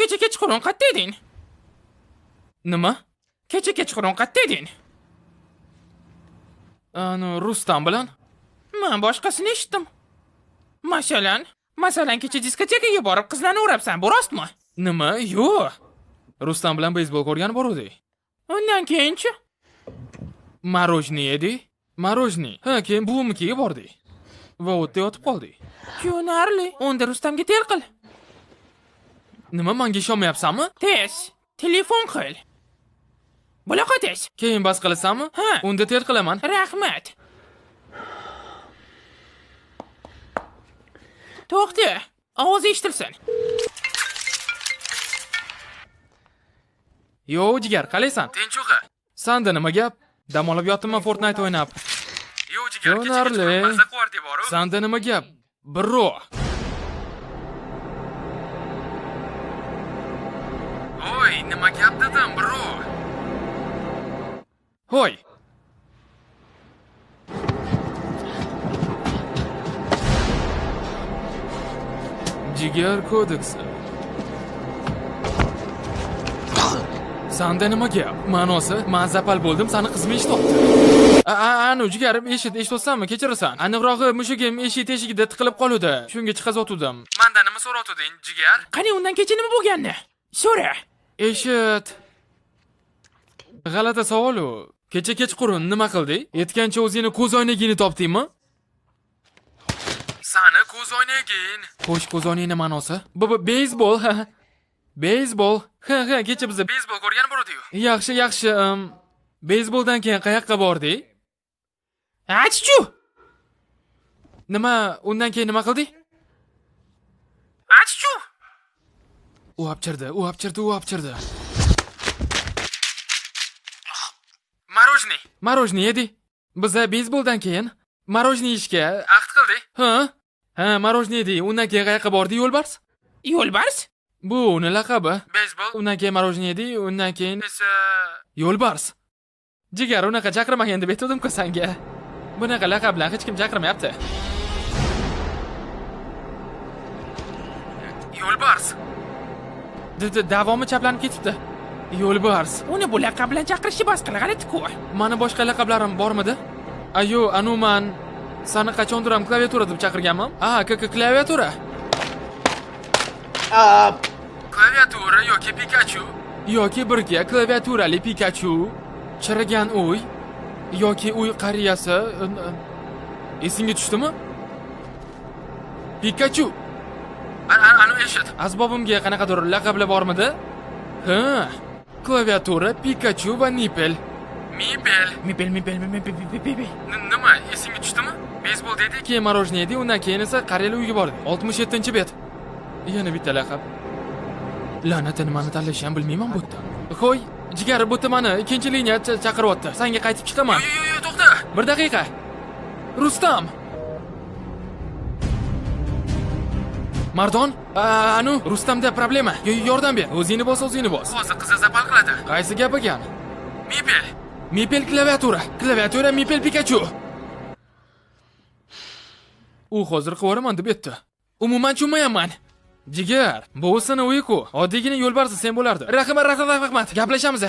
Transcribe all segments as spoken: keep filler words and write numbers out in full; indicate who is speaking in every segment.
Speaker 1: kecha kechqurun qayerda eding? Nima? Kecha kechqurun qayerda eding? Ana Rustam bilan? Men boshqasini eshitdim. Masalan, masalan kecha diskotekaga borib qizlarni urabsan, bu rostmi? Nima? Yo'q. Rustam bilan beysbol ko'rgan boruvdik. Undan keyinchi? Marojniy edi. Marojniy. Ha, keyin buvimnikiga bordik. Va o'tda yotib qoldik. Ko'narli. Unda Rustamga tel qil. Nima, menga ishonmayapsanmi? Tez, telefon qil. Bunaqa tez. Keyin bas qilasanmi? Ha, unda tel qilaman. Rahmat. To'xta, ovoz eshitilsin. Yo, jigar, qalaysan? Tinchug'i. Sanda nima gap? Dam olib yotibman Fortnite o'ynab. Yo, jigar, kecha maza quvart deboru. Sanda nima gap? Bro. Oy, nima gap dedim, bro? Hoy. Jigar kodeksi. Sanda nima gap? Ma'nosi, men zapal bo'ldim, seni qizim eshitibdi. Anu jigarim, eshit, eshitsanmi? Kechirasan. Aniqrog'i mushugim eshik teshigida tiqilib qoluvdi. Shunga chiqazotdim. Mendan nima so'ratding, jigar? Qani undan kecha nima bo'lgandi? So'ra. Eshit. G'alati savol u. Kecha kechqurun nima qilding? Yetgancha o'zingni ko'z oynagingni topdingmi? Sani ko'z oynaging. Xo'sh, ko'z oynaging ma'nosi? Bu beysbol, ha. Beysbol. Ha, ha, kecha biz beysbol ko'rgan bo'lardik. Yaxshi, yaxshi. Beysboldan keyin qayoqqa bordik? Achchu. Nima, undan keyin nima qilding? Achchu. U apchirdi, u apchirdi, u apchirdi. Marojniy. Marojniy edi. Biz beysboldan keyin marojniy yeyishga ahd qildik. Ha? Ha, marojniy edi. Undan keyin qayoqqa bordi, yo'lbars? Yo'lbars? Bu uni laqabi. Beysbol. Undan keyin marojniy edi, undan keyin esa yo'lbars. Jigar, unaqa chaqirmagan deb aytdim-ku senga. Bunaqa laqab bilan hech kim chaqirmayapti. Yo'lbars. Davomi chaplanib ketibdi. Yo'lbars. Uni bu laqab bilan chaqirishni bas qil, g'alati-ku. Meni boshqa laqablarim bormidi? Ayo, anu men seni qachondir ham klaviatura deb chaqirganman. Ah, klaviatura. Klaviatura yoki Pikachu yoki birga klaviaturali Pikachu, chirigan uy yoki uy qariyasi. Esingga tushdimi? Pikachu. Anu eshit. Asbobimga qanaqadir laqablar bormidi? Ha, klaviatura, Pikachu va Nipel. Mipel. Mipel, Mipel, Mipel, Mipel. Nima, esingga tushdimi? Beysbol dedi, keyin marojniy edi, undan keyin esa qariyalar uyga bordi. oltmish yettinchi bet. Yana bitta laqab. La'natini nimani tanlashni ham bilmayman bu yerda. Qo'y, jigar, bu yerda meni ikkinchi liniya chaqiryapti. Senga qaytib chiqaman. Yo'q, yo'q, yo'q, to'xta. Bir daqiqa. Rustam. Mardon, anu, Rustamda problema. Yordam ber. O'zingni bos, o'zingni bos. Hozir qiz zapal qiladi. Qaysi gap ekan? Mipel. Mipel klaviatura. Klaviatura Mipel Pikachu. U hozir qivoraman deb aytdi. Umuman tushunmayapman. Jigar, bu seni uyi-ku. Oddiygina yo'lbarsi sen bo'lardi. Rahmat, rahmat, rahmat. Gaplashamiz.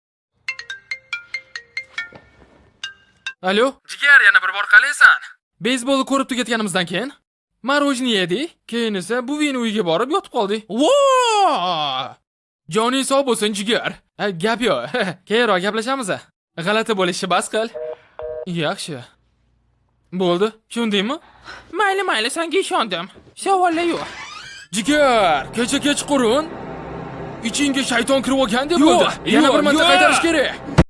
Speaker 1: Alo? Jigar, yana bir bor qalaysan? Beysbolni ko'rib tugatganimizdan keyin marojniy edi, keyin esa buvingni uyiga borib yotib qoldik. Vo! Joning sog' bo'lsin, jigar. Gap yo'q. Keyinroq gaplashamiz. G'alati bo'lishni bas qil. Yaxshi. Bo'ldi, tushundingmi? Mayli, mayli, senga ishondim. Savollar yo'q. Jigar, kecha kechqurun ichingga shayton kirib olgan deb bo'ldi. Yana bir marta qaytarish kerak.